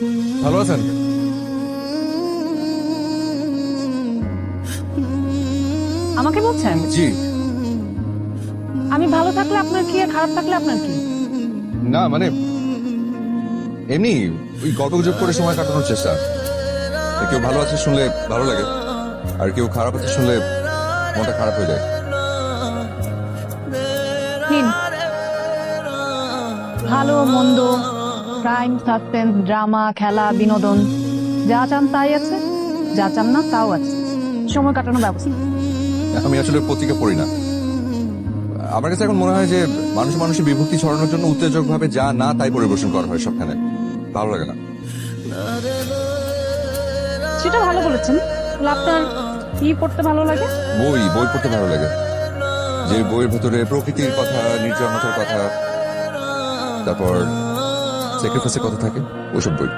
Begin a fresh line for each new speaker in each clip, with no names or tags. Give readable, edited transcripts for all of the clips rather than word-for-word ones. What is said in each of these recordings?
ভালো আছেন?
আমাকে বলছেন?
জি।
আমি ভালো থাকলে আপনার কি আর খারাপ থাকলে আপনার কি?
না মানে এমনি ওই গল্প গুজব করে সময় কাটানোর চেষ্টা। কেউ ভালো আছে শুনলে ভালো লাগে, আর কেউ খারাপ আছে শুনলে মনটা খারাপ হয়ে যায়।
নিন। ভালো মন্দ, ক্রাইম, সাসপেন্স, ড্রামা, খেলা, বিনোদন, যা চান তাই আছে, যা চান না তাও আছে। সময় কাটানোর ব্যবস্থা।
আমি আসলে পত্রিকা পড়ি না। আমার কাছে এখন মনে হয় যে মানুষের বিভক্তি ছড়ানোর জন্য উত্তেজক ভাবে যা না তাই পরিবেশন করা হয় সবখানে। ভালো লাগে না।
সেটা ভালো বলেছেন। তাহলে আপনার কি পড়তে ভালো লাগে?
বই পড়তে ভালো লাগে। যে বইয়ের ভেতরে প্রকৃতির কথা, নির্জনতার কথা, তারপর স্যাক্রিফাইসের কথা থাকে, ওইসব বই।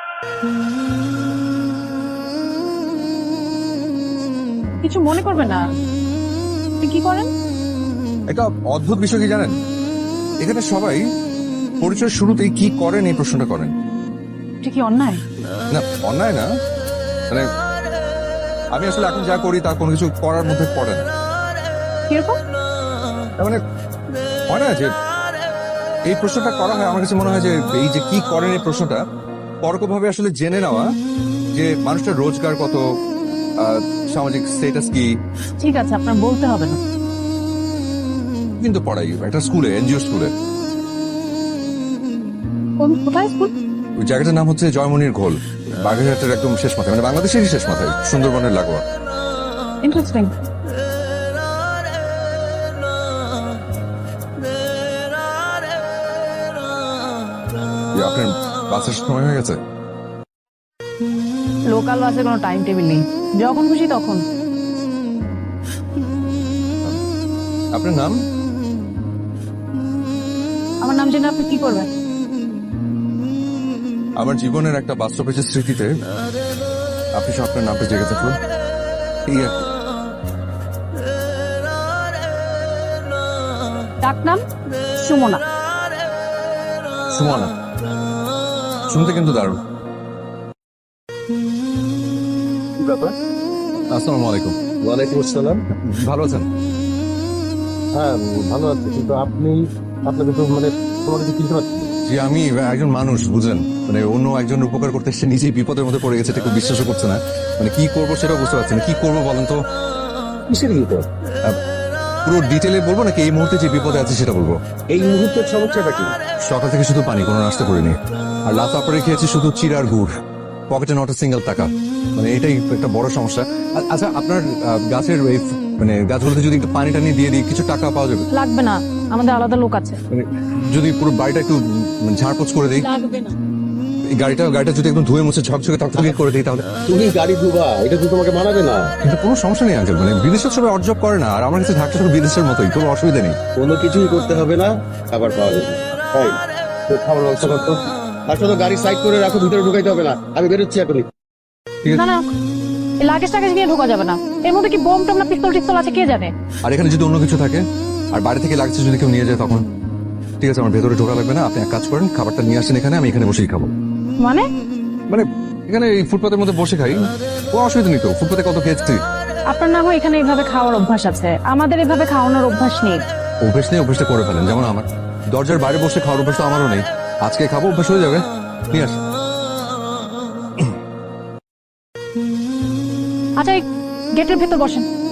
কিছু মনে করবেন না। আপনি কি করেন?
একটা অদ্ভুত বিষয় কি জানেন, এখানে সবাই পরিচয়ের শুরুতেই কি করেন এই প্রশ্নটা করেন।
এটা কি অন্যায়?
না, অন্যায় না, মানে আমি আসলে এখন যা করি তা কোনো কিছু করার মধ্যে পড়ে না।
কিরকম?
তার মানে হয় না যে এই প্রশ্নটা করা হয়, আমার কাছে মনে হয় যে এই যে কি করেন এই প্রশ্নটা পরোক্ষভাবে আসলে জেনে নেওয়া যে মানুষটার রোজগার কত, সামাজিক স্ট্যাটাস কি।
ঠিক আছে, আপনার বলতে হবে না।
কিন্তু পড়াই একটা স্কুলে, এনজিও স্কুলে।
কোথায় স্কুল?
ওই জায়গাটার নাম হচ্ছে জয়মনির ঘোল, বাগেরহাটের একদম শেষ মাথায়, মানে বাংলাদেশেরই শেষ মাথায়, সুন্দরবনের লাগোয়া।
ইন্টারেস্টিং।
আপনার বাসের সময় হয়ে গেছে?
লোকাল বাসে কোনো টাইম টেবিল নেই, যখন খুশি তখন।
আপনার নাম?
আমার নাম জেনে আপনি কি করবেন?
আমার জীবনের একটা বাস্তবের স্মৃতিতে আপনি সব আপনার নামটা জেগে থাকুন, এই আর কি।
ডাক নাম সুমনা।
সুমনা শুনতে কিন্তু দারুণ। আসসালামু আলাইকুম।
ওয়ালাইকুম আসসালাম।
ভালো আছেন?
হ্যাঁ, ভালো আছি, কিন্তু আপনাকে তো মানে তোমাকে তো চিনতে পারছি না।
জি, আমি একজন মানুষ, বুঝলেন, মানে অন্য একজন উপকার করতে এসে নিজেই বিপদের মধ্যে পড়ে গেছে, এটা কেউ বিশ্বাসও করছে না। মানে কি করবো সেটাও বুঝতে পারছি না। কি করবো বলেন তো?
কিসের বিপদ?
পুরো ডিটেলে বলবো নাকি এই মুহূর্তে যে বিপদে আছে সেটা বলবো?
এই মুহূর্তের সমস্যাটা কি?
সকাল থেকে শুধু পানি, কোনো নাস্তা করিনি, আর লাস্ট আপারে খেয়েছি শুধু চিড়ার গুড়, পকেটে নট সিঙ্গেল টাকা। মানে এটাই একটা বড় সমস্যা। আচ্ছা, আপনার গাছের এই মানে গাছগুলোতে যদি একটু পানি টানি দিয়ে দিই কিছু টাকা পাওয়া যাবে?
লাগবে না, আমাদের আলাদা লোক আছে।
মানে যদি পুরো বাড়িটা একটু ঝাড়পোছ করে দিই,
লাগবে না।
এই গাড়িটা যদি একদম ধুয়ে মুছে ঝকঝকে তকতকে করে দিই তাহলে।
তুমি গাড়ি ধুবা, এটা তো তোমাকে মানাবে না।
কিন্তু কোনো সমস্যা নেই আঙ্কেল, মানে বিদেশের সবাই অর্জব করে না, আর আমার কাছে ঢাকা সব বিদেশের মতোই, কোনো অসুবিধা নেই।
কোনো কিছুই করতে হবে না, খাবার পাওয়া যাবে। তাই তো খাবার ব্যবস্থা করতো। আর শুধু গাড়ি সাইড করে রাখো, ভিতরে ঢুকাইতে হবে না, আমি বেরোচ্ছি এখনই।
ঠিক
না
আছে।
না, এই লাগেজ টাগেজ নিয়ে ঢোকা যাবে না। এর মধ্যে কি বোম টোম না পিস্তল টিস্তল আছে কে জানে।
আর এখানে যদি অন্য কিছু থাকে আর বাড়ি থেকে লাগছে যদি কেউ নিয়ে যায় তখন? ঠিক আছে, আমার ভেতরে ঢোকা লাগবে না, আপনি এক কাজ করেন, খাবারটা নিয়ে আসেন এখানে, আমি এখানে বসেই খাবো।
মানে?
মানে এখানে এই ফুটপাতের মধ্যে বসে খাই, কোনো অসুবিধা নেই তো, ফুটপাতে কত খেয়েছি।
আপনার না হয় এখানে এইভাবে খাওয়ার অভ্যাস আছে, আমাদের এভাবে খাওয়ানোর অভ্যাস নেই।
অভ্যেস নেই, অভ্যেসটা করে ফেলেন, যেমন আমার দরজার বাইরে বসে খাওয়ার অভ্যাস তো আমারও নেই। আজকে খাবো, অভ্যাস হয়ে যাবে। নিয়ে আস।
আচ্ছা, এই গেটের ভেতর বসেন।